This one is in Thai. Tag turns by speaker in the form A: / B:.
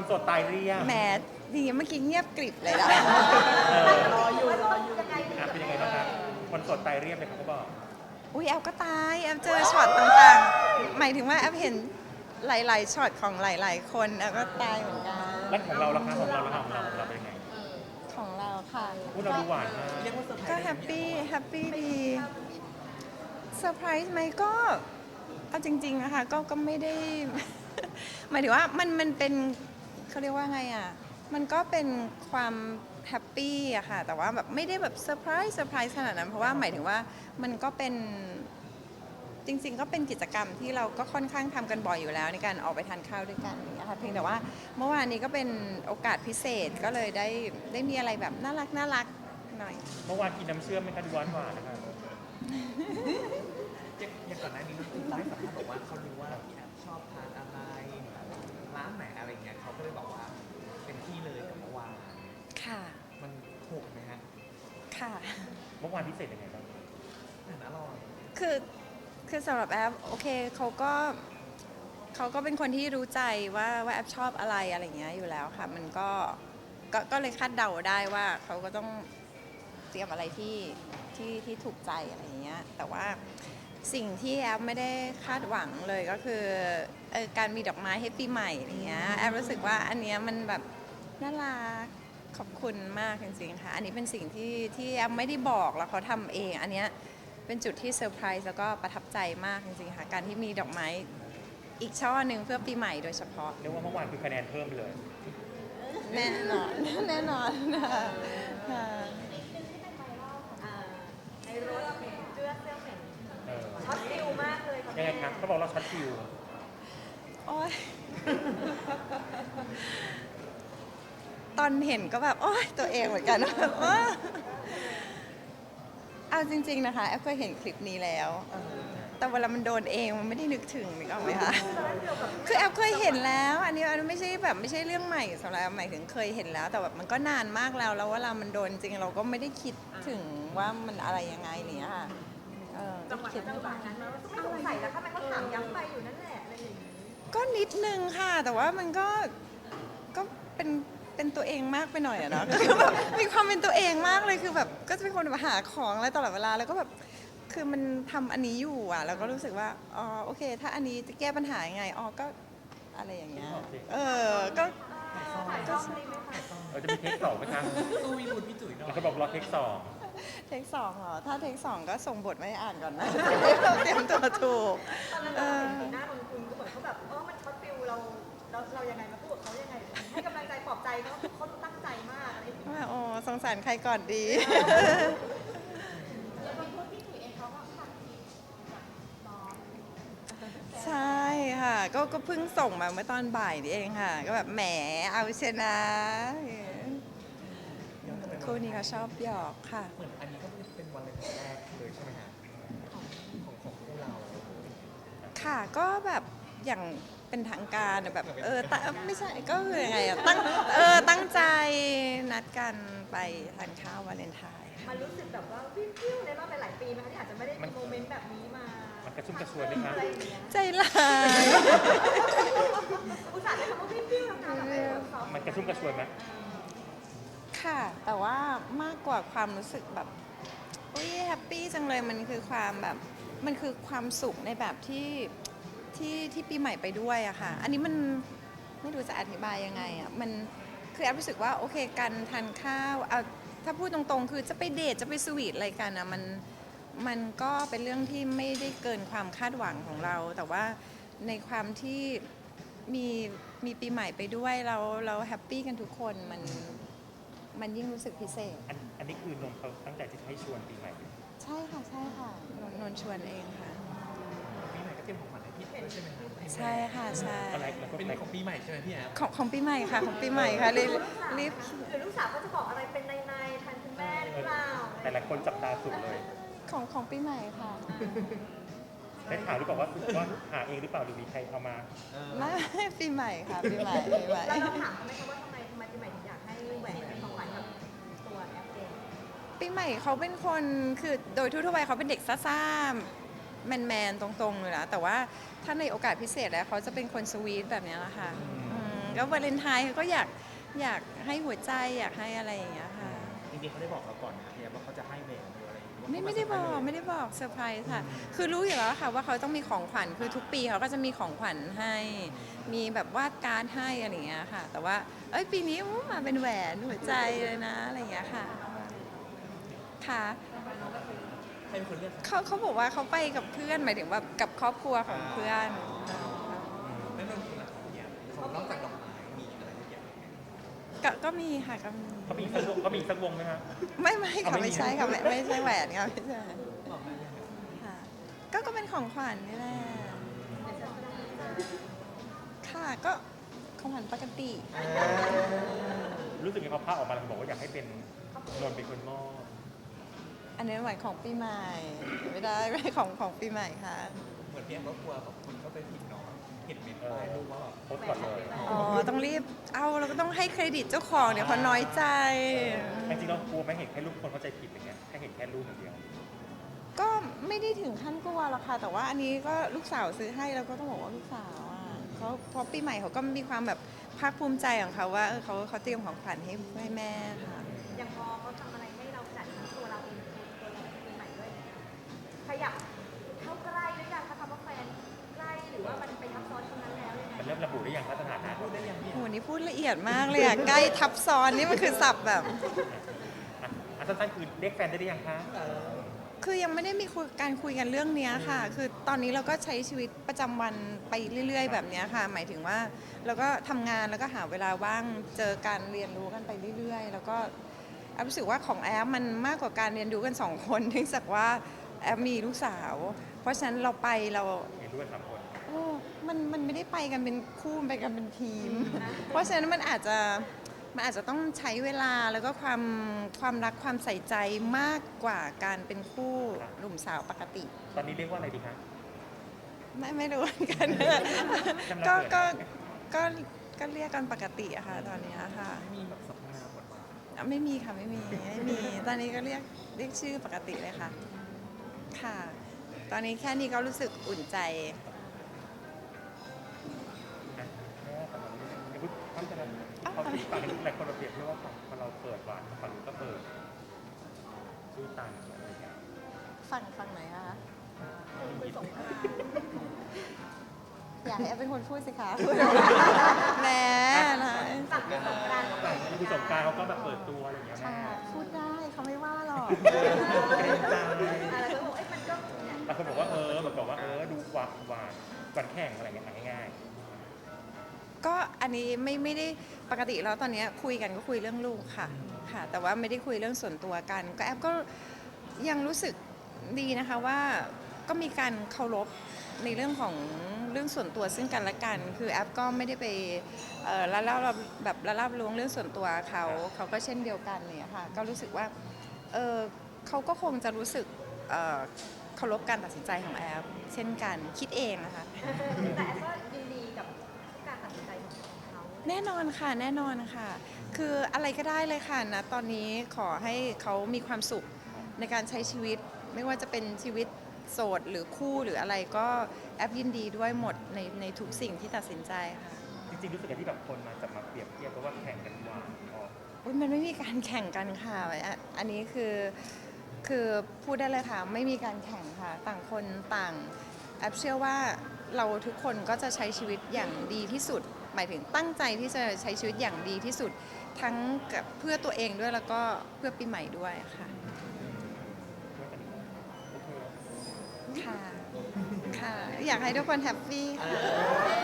A: โสดตายเรียบ
B: แหมดีเมื่อกี้เงียบกริบเลยนะ
C: รออยู่ยังไง
A: เป็นยังไงบ้างครับคนโสดตายเรียบเลยเขาบอก
B: อุ้ยแอลก็ตายแอลเจอช็อตต่างๆหมายถึงว่าแอลเห็นหลายๆช็อตของหลายๆคนแอลก็ตายเหมือนกัน
A: แล้วของเราล่ะคะของเราล่ะคะของเราเป็นยังไง
B: ของเราค่ะ
A: พูดเราดูหวานมาก
B: ก็แฮปปี้ดีเซอร์ไพรส์ไหมก็เอาจริงๆนะคะก็ไม่ได้ หมายถึงว่ามันเป็นเขาเรียกว่าไงอ่ะมันก็เป็นความแฮปปี้อะค่ะแต่ว่าแบบไม่ได้แบบเซอร์ไพรส์ขนาดนั้นเพราะว่าหมายถึงว่ามันก็เป็นจริงๆก็เป็นกิจกรรมที่เราก็ค่อนข้างทำกันบ่อยอยู่แล้วในการออกไปทานข้าวด้วยกันนะคะเพียงแต่ว่าเมื่อวานนี้ก็เป็นโอกาสพิเศษก็เลยได้มีอะไรแบบน่ารักหน่อย
A: เมื่อวานกินน้ำเชื่อมไหมคะดูหวานนะคะ
D: อย่างก่อนหน้านี้น้องคุณให้สัมภาษณ์บอกว่าเขารู้ว่าพี่แอฟชอบทานอะไรร้านไหนอะไรเงี้ยเขาก็เลยบอกว่าเป็นที่เลยกับเมื่อวาน
B: ค่ะ
D: มันถูกไหมฮะ
B: ค่ะ
A: เมื่อวานพิเศษยังไงบ้าง
D: อาหารอร่อย
B: คือสำหรับแอปโอเคเขาก็เป็นคนที่รู้ใจว่าแอปชอบอะไรอย่างเงี้ยอยู่แล้วค่ะมันก็เลยคาดเดาได้ว่าเขาก็ต้องเตรียมอะไรที่ถูกใจอะไรอย่างเงี้ยแต่ว่าสิ่งที่แอปไม่ได้คาดหวังเลยก็คือการมีดอกไม้ให้ปีใหม่อย่างเงี้ยแอปรู้สึกว่าอันเนี้ยมันแบบน่ารักขอบคุณมากจริงๆค่ะอันนี้เป็นสิ่งที่แอปไม่ได้บอกแล้วเขาทำเองอันเนี้ยเป็นจุดที่เซอร์ไพรส์แล้วก็ประทับใจมากจริงๆค่ะการที่มีดอกไม้อีกช่อหนึ่งเพื่อปีใหม่โดยเฉพาะ
A: เรียกว่าเมื่อวานคือคะแนนเพิ่มเลย
B: แน่นอนแน่นอนค่ะ
C: ในรถเจื้อเสื้อเหม็น
A: เออ
C: ช็อตฟิลมากเลย
A: ยังไงครับเขาบอกเราช็อตฟิว
B: โอ๊ยตอนเห็นก็แบบโอ๊ยตัวเองเหมือนกันแบบเอาจริงๆนะคะแอฟเคยเห็นคลิปนี้แล้ว แต่เวลามันโดนเองมันไม่ได้นึกถึงนึกออกไหมคะ คือแอฟเคยเห็นแล้วอันนี้ไม่ใช่แบบไม่ใช่เรื่องใหม่สำหรับแอฟหมายถึงเคยเห็นแล้ว แต่แบบมันก็นานมากแล้วเวลามันโดนจริงเราก็ไม่ได้คิดถึงว่ามันอะไรยังไงเนี่ยค่ะ
C: จังหวะ
B: คิด
C: นั้นมันไม่สงสัยแล้วทำไมเขาถามย้ำไปอยู่นั่นแหละอะไรอย่างนี้
B: ก็นิดนึงค่ะ แต่ว่ามันก็เป็นตัวเองมากไปหน่อยอะเนาะ คือแบบมีความเป็นตัวเองมากเลยคือแบบก็จะเป็นคนแบบหาของอะไรตลอดเวลาแล้วก็แบบคือมันทำอันนี้อยู่อ่ะแล้วก็รู้สึกว่าอ๋อโอเค ถ้าอันนี้จะแก้ปัญหายังไงอ๋อก็อะไรอย่างเงี้ยก็
C: ถ่ายช่องนี้ไหมคะ
A: เราจะมีเทคสองไหมคะ
D: สู้พี่บุญพี่จุ๋ยหน่อย
A: เขาบอกรอเทคสอง
B: เทคสองเหรอถ้าเทคสองก็ส่งบทไม่อ่านก่อนนะ เราเตรียมตัวถูก
C: ตอนนั้นเราเห็นสีหน้าของคุณก็เหมือนเขาแบบมันช็อตฟิลเรายังไงมาพูดกับเขายังไงให้กำลังใจปลอบใจเขาตั้งใจมากอะไรอย่างนี้
B: ว่าโอ้สงสารใครก่อนดี ใช่ค่ะก็เพิ่งส่งมาเมื่อตอนบ่ายนี่เองค่ะ ก็แบบแหมเอาชนะคู่นี้เขาชอบหยอกค่ะ
D: เหมือนอันนี้ก็เป็นวันแรกเลยใช่ไหมฮะของพวกเรา
B: ค่ะก็แบบอย่างเป็นทางการอะแบบไม่ใช่ก็คือยังไงอะตั้งใจนัดกันไปทานข้าววาเลนไทน์
C: มันรู้สึกแบบว่าวิวในรอบหลายๆปีไหมคะที่อาจจะไม่ได้มีโมเมนต์แบบนี้มา
A: มันกระชุ่มกระชวยไหมคะ
C: อะไรอย่างเงี้ย
B: ใจร้าย
C: อุตส่าห์ได้คำว่าวิวนะคะแบบเขา
A: มันกระชุ่มกระชวยไหม
B: ค่ะ แต่ว่ามากกว่าความรู้สึกแบบอุ้ยแฮปปี้จังเลยมันคือความแบบมันคือความสุขในแบบที่ปีใหม่ไปด้วยอะค่ะ อันนี้มันไม่รู้จะอธิบายยังไงอะมันคือแอบรู้สึกว่าโอเคการทานข้าวเอาถ้าพูดตรงๆ คือจะไปเดทจะไปสวีทอะไรกันอะมันก็เป็นเรื่องที่ไม่ได้เกินความคาดหวังของเรา แต่ว่าในความที่มีปีใหม่ไปด้วยเราแฮปปี้กันทุกคนมันยิ่งรู้สึกพิเศษ
A: อันนี้คือนนท์เขาตั้งใจที่จะให้ชวนปีใหม่
B: ใช่ค่ะนนท์ชวนเองค่ะ
D: ปีใหม่ก็เตรียมของขวัญให้พี่ด้วยใช่ไหมฮะ
B: ใช่ค่ะใช่
A: อะไรแล้วก็
D: เป็น
A: ไป
D: ของปีใหม่ใช่ไหมพี่แอฟ
B: ของปีใหม่ค่ะของปีใหม่ค่ะรีบ
C: หรือลูกสาวก็จะบอกอะไรเป็นในแทนคุณแม่หรือเปล่า
A: แต่หลายคนจับตาสุดเลย
B: ของปีใหม่ค่ะ
A: ได้ถามหรือเปล่าว่าหาเองหรือเปล่าหรือมีใครเอามา
B: ไม่ปีใหม่ค่ะปีใหม่
C: แล้วเราถามเขาไหมคะว่าทำไมปีใหม่ถึงอยากให้แหวนเป็นของขวัญกับตัวแอปเอง
B: ปีใหม่เขาเป็นคนคือโดยทั่วๆไปเขาเป็นเด็กซ่าๆแมนๆตรงๆเลยนะแต่ว่าถ้าในโอกาสพิเศษแล้วเขาจะเป็นคนสวีทแบบนี้แหละค่ะก็วาเลนไทน์เขาก็อยากให้หัวใจอยากให้อะไรอย่างเงี้ยค่ะ
E: จริงๆเขาได้บอกเราก่อนนะพี่แอฟว่าเขาจะให้แหวนหรืออะไรหรือว่า
B: ไม่ได้บอกเซอร์ไพรส์ค่ะ คือรู้อยู่แล้วค่ะว่าเขาต้องมีของขวัญคือทุกปีเขาก็จะมีของขวัญให้ มีแบบวาดการ์ดให้อะไรอย่างเงี้ยค่ะ แต่ว่าปีนี้มาเป็นแหวนหัวใจเลยนะอะไรอย่างเงี้ยค่ะค่ะ
D: ใครเป็นคนเลือกครับ
B: เขาบอกว่าเขาไปกับเพื่อนหมายถึงว่ากับครอบครัวของเพื่อน
D: แล้วนนคุณล่ะครับเนี่ยของนอกจากดอกไม้มีอะไรอีกอย่างไหม
B: ก็มีค่ะก็มี
A: เขามีสักวงไหมคะ
B: ไม่
A: เอา
B: ค่ะ
A: ไม่มี
B: ไม่ใช่ค่ะไม่ใช่แหวนค่ะไม่ใช่
D: บอกได้เลยครับ
B: ค่ะก็เป็นของขวัญนี่แหละค่ะก็ของขวัญปกติ
A: รู้สึกยังไงพอภาพออกมาแล้วบอกว่าอยากให้เป็นนนท์เป็นคนมอบ
B: อันนี้หมายของปีใหม่ไม่ได้ไม่ของปีใหม่ค่ะ
D: เหมือนพี่แอฟก็กลัวแบบคนเข้าไปผิดเนาะเห็นเมนต์ป้ายรูปว่าแบบ
A: โพสต์ก่อนเลย
B: อ๋อต้องรีบเอาเราก็ต้องให้เครดิตเจ้าของเดี๋ยวเขาน้อยใจ
A: จริงๆเรากลัวไหม่เห็นแค่รูปคนเข้าใจผิดอย่างเงี้ยแค่เห็นแค่รูปอย่างเดียว
B: ก็ไม่ได้ถึงขั้นกลัวหรอกค่ะ แต่ว่าอันนี้ก็ลูกสาวซื้อให้แล้วก็ต้องบอกว่าลูกสาวอ่ะเขาพอปีใหม่เขาก็มีความแบบภาคภูมิใจของเขาว่าเขาเตรียมของขวัญให้แม่ค่ะ
C: อย่างพอเขาทำอะไรให้เราขนาดนั้นตัวเราเองตัวเราปีใหม่ด้วยขยับเข้าใกล้หรือยังคะคำว่าแฟนใกล้หรือว่ามันไปทับซ้อนตรงนั้นแล้วยังไง
A: มันเริ่มระบุได้ยังว่าสถานะ
D: พูดได้ยังพี่
B: โหนี่พูดละเอียดมากเลยอ่ะ ใกล้ทับซ้อนนี่มันคือศัพท์แบบ
A: สั้นๆคือเรียกแฟนได้หรือยังคะ
B: คือยังไม่ได้มีการคุยกันเรื่องเนี้ยค่ะ คือตอนนี้เราก็ใช้ชีวิตประจำวันไปเรื่อย ๆ แบบเนี้ยค่ะ หมายถึงว่าเราก็ทำงานแล้วก็หาเวลาว่างเจอการเรียนรู้กันไปเรื่อยๆ แล้วก็แอฟรู้สึกว่าของแอฟมันมากกว่าการเรียนรู้กันสองคนเนื่องจากว่าแอฟมีลูกสาว เพราะฉะนั้นเราไปเรา
A: เห็นด้วย3 คน
B: โอ้มันไม่ได้ไปกันเป็นคู่มันไปกันเป็นทีม เพราะฉะนั้นมันอาจจะต้องใช้เวลาแล้วก็ความรักความใส่ใจมากกว่าการเป็นคู่หนุ่มสาวปกติ
A: ตอนนี้เรียกว่าอะไรดีคะ
B: ไม่รู้เหมือนกัน
A: จำเราเกิด
B: ก็เรียกกันปกติอะค่ะตอนนี้ค่ะ
D: มีแบบสัพนามบทบาท
B: ไม่มีค่ะไม่มีตอนนี้ก็เรียกชื่อปกติเลยค่ะ ค่ะ ตอนนี้แค่นี้ก็รู้สึกอุ่นใจ
A: เขาที่ฝั่งนี้หลายคนเราเปรียบเทียบว่าพอเราเปิดหวานฝั่งนู้นก็เปิดสู้ต่างอะไรอย่างเงี้ย
B: ฝั่งไหนคะอยากให้แอฟเป็นคนพูดสิคะพูดแหมนะ
C: ฝั่งในสงกรานต์
A: ฝั่งคือสงกรานต์เขาก็แบบเปิดตัวอะไรอย่างเงี้ย
B: ค่ะ
A: แม่
B: พูดได้เขาไม่ว่าหรอก
C: อะไรก็บอกมันก็เนี่ย
A: บางคนบอกว่าดูหวานแข่งอะไรอย่างเงี้ยง่าย
B: ก็อันนี้ไม่ได้ปกติแล้วตอนนี้คุยกันก็คุยเรื่องลูกค่ะค่ะ แต่ว่าไม่ได้คุยเรื่องส่วนตัวกัน ก็แอฟก็ยังรู้สึกดีนะคะว่าก็มีการเคารพในเรื่องของเรื่องส่วนตัวซึ่งกันและกัน คือแอฟก็ไม่ได้ไปละเล่าแบบละลาบล้วงเรื่องส่วนตัวเขาก็เช่นเดียวกันเนี่ยค่ะก็รู้สึกว่าเขาก็คงจะรู้สึกเคารพการตัดสินใจของแอฟเช่นกันคิดเองนะคะ
C: แต่แอฟก็ยินดีกับทุกการตัดสินใจของเขา
B: แน่นอนค่ะแน่นอนค่ะ คืออะไรก็ได้เลยค่ะนะตอนนี้ขอให้เขามีความสุขในการใช้ชีวิต ไม่ว่าจะเป็นชีวิตโสดหรือคู่หรืออะไรก็แอปยินดีด้วยหมดในทุกสิ่งที่ตัดสินใจค่ะ
A: ๆจริงๆรู้สึกอย่างที่แบบคนมาจับมาเปรียบเทียบเพราะว่าแข่งกันหวานออก
B: อุ๊ยมันไม่มีการแข่งกันค่ะอันนี้คือพูดได้เลยค่ะ ไม่มีการแข่งค่ะ ต่างคนต่างแอปเชื่อว่าเราทุกคนก็จะใช้ชีวิตอย่างดีที่สุด หมายถึงตั้งใจที่จะใช้ชีวิตอย่างดีที่สุด ทั้งกับเพื่อตัวเองด้วยแล้วก็เพื่อปีใหม่ด้วยค่ะ ค่ะ ค่ะ อยากให้ทุกคนแฮปปี้ค่ะ